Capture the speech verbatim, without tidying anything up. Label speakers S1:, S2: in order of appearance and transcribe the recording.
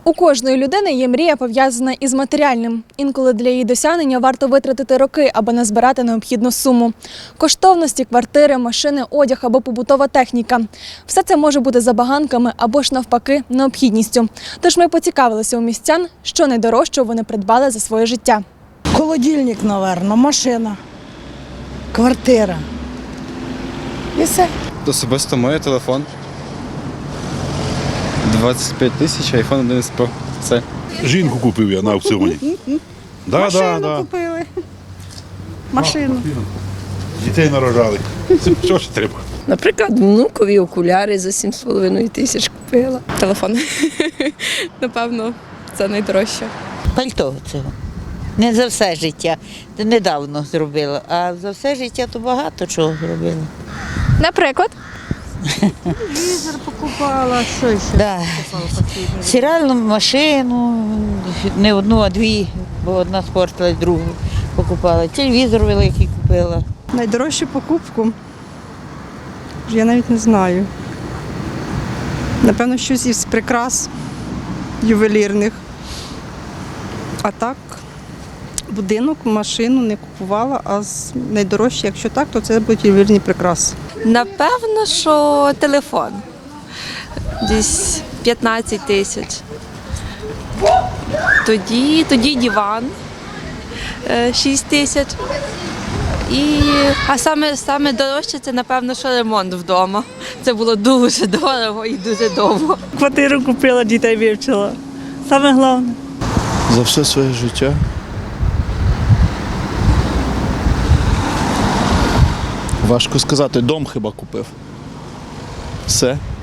S1: У кожної людини є мрія, пов'язана із матеріальним. Інколи для її досягнення варто витратити роки, аби назбирати необхідну суму. Коштовності, квартири, машини, одяг або побутова техніка. Все це може бути забаганками або ж навпаки необхідністю. Тож ми поцікавилися у містян, що найдорожчого вони придбали за своє життя.
S2: Холодильник, мабуть, машина, квартира. І все.
S3: Особисто моє телефон. двадцять п'ять тисяч, айфон одинадцять Про. Це.
S4: Жінку купив я на аукціоні. Да,
S2: Машину
S4: да, да.
S2: купили. Машину.
S4: Дітей нарожали. Це що ж треба?
S5: Наприклад, внукові окуляри за сім з половиною тисяч купила.
S6: Телефон. Напевно, це найдорожче.
S7: Пальто цього. Не за все життя. Це недавно зробила, а за все життя то багато чого зробила.
S6: Наприклад?
S2: Телевізор покупала, що ще?
S7: Да. Стиральну машину, не одну, а дві, бо одна спортилась, другу покупала. Телевізор великий купила.
S8: Найдорожчу покупку? Я навіть не знаю. Напевно, щось із прикрас ювелірних. А так, будинок, машину не купувала, а з- найдорожче, якщо так, то це будуть ювелірні прикраси.
S9: Напевно, що телефон. Десь п'ятнадцять тисяч. Тоді, тоді диван е, шість тисяч. І, а саме, саме дорожче це, напевно, що ремонт вдома. Це було дуже дорого і дуже довго.
S10: Квартиру купила, дітей вивчила. Саме головне.
S3: За все своє життя. Важко сказати, дом хіба купив. Все.